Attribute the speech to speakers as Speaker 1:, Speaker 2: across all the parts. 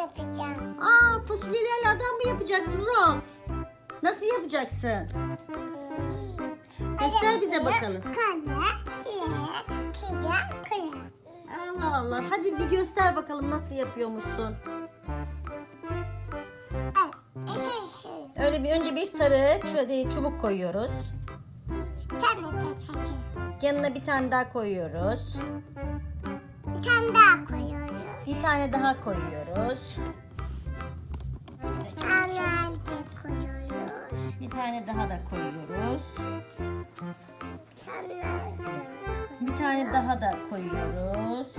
Speaker 1: yapacağım.
Speaker 2: Aa, fasulyelerle adam mı yapacaksın Ural? Nasıl yapacaksın? Göster bize bakalım. Allah Allah. Hadi bir göster bakalım nasıl yapıyormuşsun. Öyle önce bir sarı çubuk koyuyoruz. Yanına bir tane daha koyuyoruz.
Speaker 1: Bir tane daha koyuyoruz.
Speaker 2: Bir tane daha koyuyoruz.
Speaker 1: Bir tane daha koyuyoruz.
Speaker 2: Bir tane daha da koyuyoruz. Bir tane daha da koyuyoruz.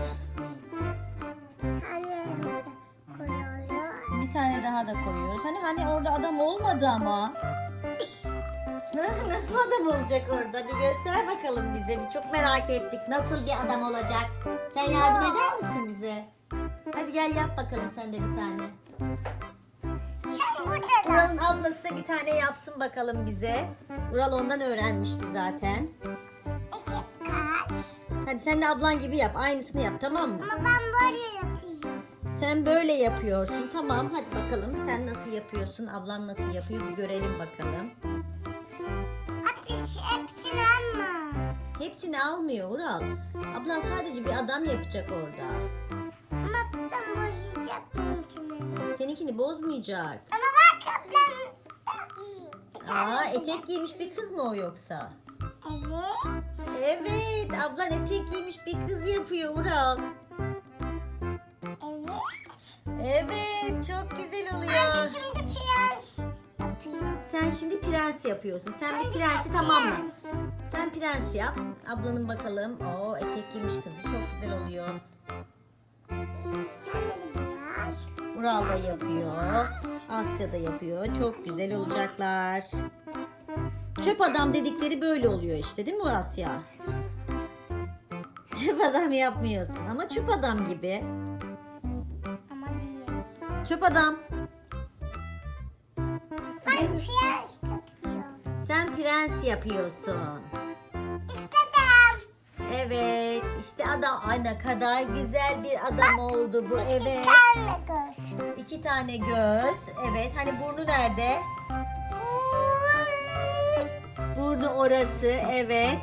Speaker 2: Bir tane daha da koyuyoruz. Hani orada adam olmadı ama. Nasıl adam olacak orada? Bir göster bakalım bize. Bir çok merak ettik. Nasıl bir adam olacak? Sen yardım eder misin bize? Hadi gel yap bakalım sen de bir tane.
Speaker 1: Sen burada da.
Speaker 2: Ural'ın ablası da bir tane yapsın bakalım bize. Ural ondan öğrenmişti zaten.
Speaker 1: İki kaş.
Speaker 2: Hadi sen de ablan gibi yap. Aynısını yap, tamam mı?
Speaker 1: Ama ben böyle yapıyorum.
Speaker 2: Sen böyle yapıyorsun. Tamam, hadi bakalım. Sen nasıl yapıyorsun? Ablan nasıl yapıyor? Bir görelim bakalım.
Speaker 1: Hepsini alma.
Speaker 2: Hepsini almıyor Ural. Ablan sadece bir adam yapacak orada.
Speaker 1: Ama ben bozacağım benimkini.
Speaker 2: Seninkini bozmayacak.
Speaker 1: Ama bak ablam.
Speaker 2: Aa, etek giymiş bir kız mı o yoksa?
Speaker 1: Evet.
Speaker 2: Evet, ablan etek giymiş bir kız yapıyor Ural.
Speaker 1: Evet.
Speaker 2: Evet, çok güzel
Speaker 1: Anne
Speaker 2: oluyor.
Speaker 1: şimdi prens yapıyor.
Speaker 2: Sen şimdi prens yapıyorsun. Sen bir
Speaker 1: Anne,
Speaker 2: prensi
Speaker 1: prens.
Speaker 2: tamamla. Sen prens yap. Ablanın bakalım. Oo, etek giymiş kızı çok güzel oluyor.
Speaker 1: Sen de biraz.
Speaker 2: Ural da yapıyor. Asya da yapıyor. Çok güzel olacaklar. Çöp adam dedikleri böyle oluyor işte, değil mi Asya? Çöp adam yapmıyorsun ama çöp adam gibi.
Speaker 1: Ama değil.
Speaker 2: Çöp adam.
Speaker 1: Ben prens yapıyorum.
Speaker 2: Sen prens yapıyorsun.
Speaker 1: İstedim.
Speaker 2: Evet, işte adam. Ay, ne kadar güzel bir adam oldu bu. Evet.
Speaker 1: Bir tane göz.
Speaker 2: 2 tane göz. Evet, hani burnu nerede? Burnu orası. Evet.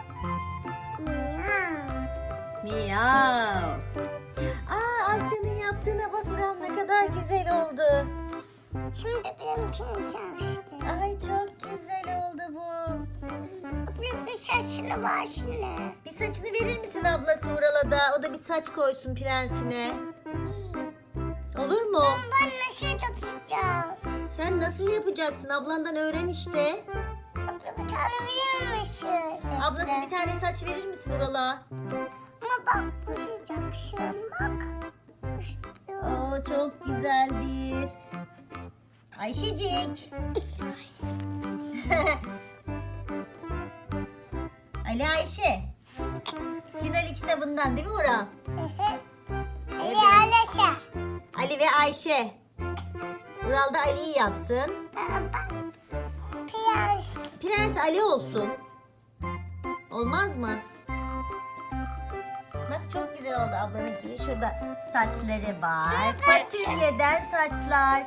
Speaker 2: Miyav. Aa, Asya'nın yaptığına bak Ural, ne kadar güzel oldu.
Speaker 1: Şimdi benimkini çalıştı.
Speaker 2: Ay, çok güzel oldu bu.
Speaker 1: Bir saçını var şimdi.
Speaker 2: Bir saçını verir misin ablası Ural'a da? O da bir saç koysun prensine. Olur mu?
Speaker 1: Ben nasıl yapacağım?
Speaker 2: Sen nasıl yapacaksın? Ablandan öğren işte.
Speaker 1: Abla bir tane verir misin?
Speaker 2: Ablası bir tane saç verir misin Ural'a?
Speaker 1: Ama bak bozacaksın bak. İşte.
Speaker 2: Oo, çok güzel bir. Ayşecik. Ali Ayşe. Cinali kitabından değil mi Ural?
Speaker 1: Ali Alişe.
Speaker 2: Ali ve Ayşe. Ural da Ali'yi yapsın.
Speaker 1: Prens.
Speaker 2: Prens Ali olsun. Olmaz mı? Bak çok güzel oldu ablanınki. Şurada saçları var. Fasulyeden saçlar.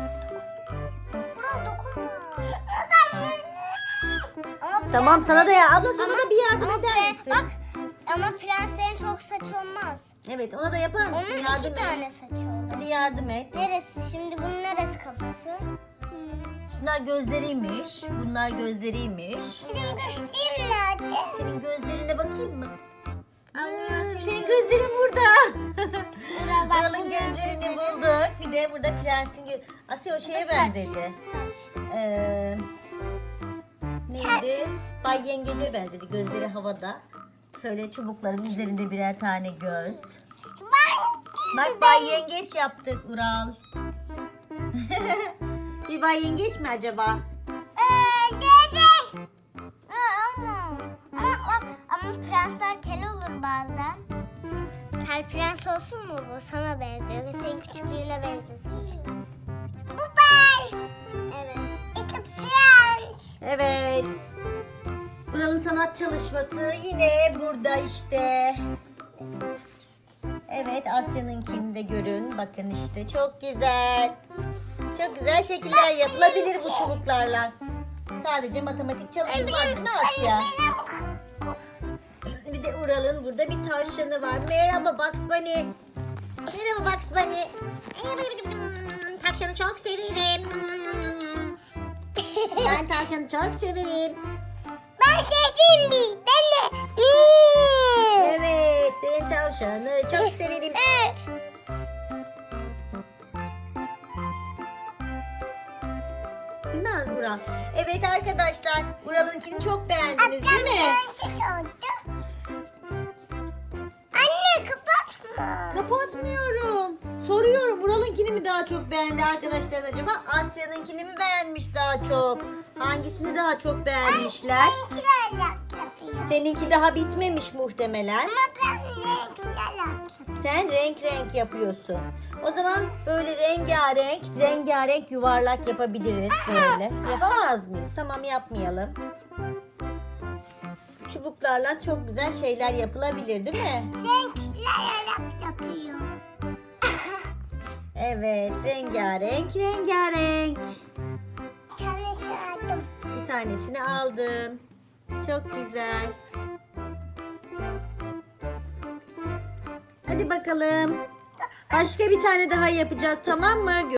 Speaker 1: Buna dokunma. Ama
Speaker 2: Tamam, sana da ya. Abla sana da bir yardım eder misin?
Speaker 1: Bak ama prenslerin çok saç olmaz.
Speaker 2: Evet, ona da yapar mısın?
Speaker 1: Onun
Speaker 2: Yardım
Speaker 1: iki
Speaker 2: et.
Speaker 1: tane saçı olur.
Speaker 2: Hadi yardım et.
Speaker 1: Neresi? Şimdi bunun neresi kafası?
Speaker 2: Şunlar gözleriymiş. Bunlar gözleriymiş.
Speaker 1: Benim göstereyim nerede?
Speaker 2: Senin gözlerine bakayım mı?
Speaker 1: Allah
Speaker 2: Senin gözlerin burada.
Speaker 1: bak,
Speaker 2: Ural'ın gözlerini bulduk. Bir de burada prensin Asya o şeye benzedi.
Speaker 1: Saç.
Speaker 2: Neydi? Bay Yengeç'e benzedi. Gözleri havada. Şöyle çubukların üzerinde birer tane göz. Bak, Bay Yengeç yaptık Ural. Bir Bay Yengeç mi acaba?
Speaker 1: Dede. Ama prensler kel olur bazen. Kel prens olsun mu bu? Sana benziyor ve senin küçüklüğüne benzesin. Bu ben. Evet. İşte prens.
Speaker 2: Evet. Ural'ın sanat çalışması yine burada işte. Evet, Asya'nınkini de görün. Bakın işte çok güzel. Çok güzel şekiller yapılabilir bu çubuklarla. Sadece matematik çalışılmaz değil mi Asya? Bir de Ural'ın burada bir tavşanı var. Merhaba Bugs Bunny. Merhaba Bugs Bunny. Tavşanı çok severim. Ben tavşanı çok severim.
Speaker 1: Ben kesin değil. Ben de.
Speaker 2: Evet, ben tavşanı çok severim. Değil mi Ural? Evet arkadaşlar, Ural'ınkini çok beğendiniz değil mi?
Speaker 1: Anne kapatma.
Speaker 2: Kapatmıyorum. Soruyorum, Ural'ınkini mi daha çok beğendi arkadaşlar acaba? Asya'nınkini mi beğenmiş daha çok? Hangisini daha çok beğenmişler?
Speaker 1: Benimkiler yapıyor.
Speaker 2: Seninki daha bitmemiş muhtemelen.
Speaker 1: Ama ben benimkiler yapıyor.
Speaker 2: Sen renk renk yapıyorsun. O zaman böyle rengarenk yuvarlak yapabiliriz böyle. Yapamaz mıyız? Tamam, yapmayalım. Çubuklarla çok güzel şeyler yapılabilir değil mi?
Speaker 1: Renkler yapıyor.
Speaker 2: Evet, rengarenk.
Speaker 1: Tanesi aldım.
Speaker 2: Bir tanesini aldın. Çok güzel. Hadi bakalım. Başka bir tane daha yapacağız, tamam mı?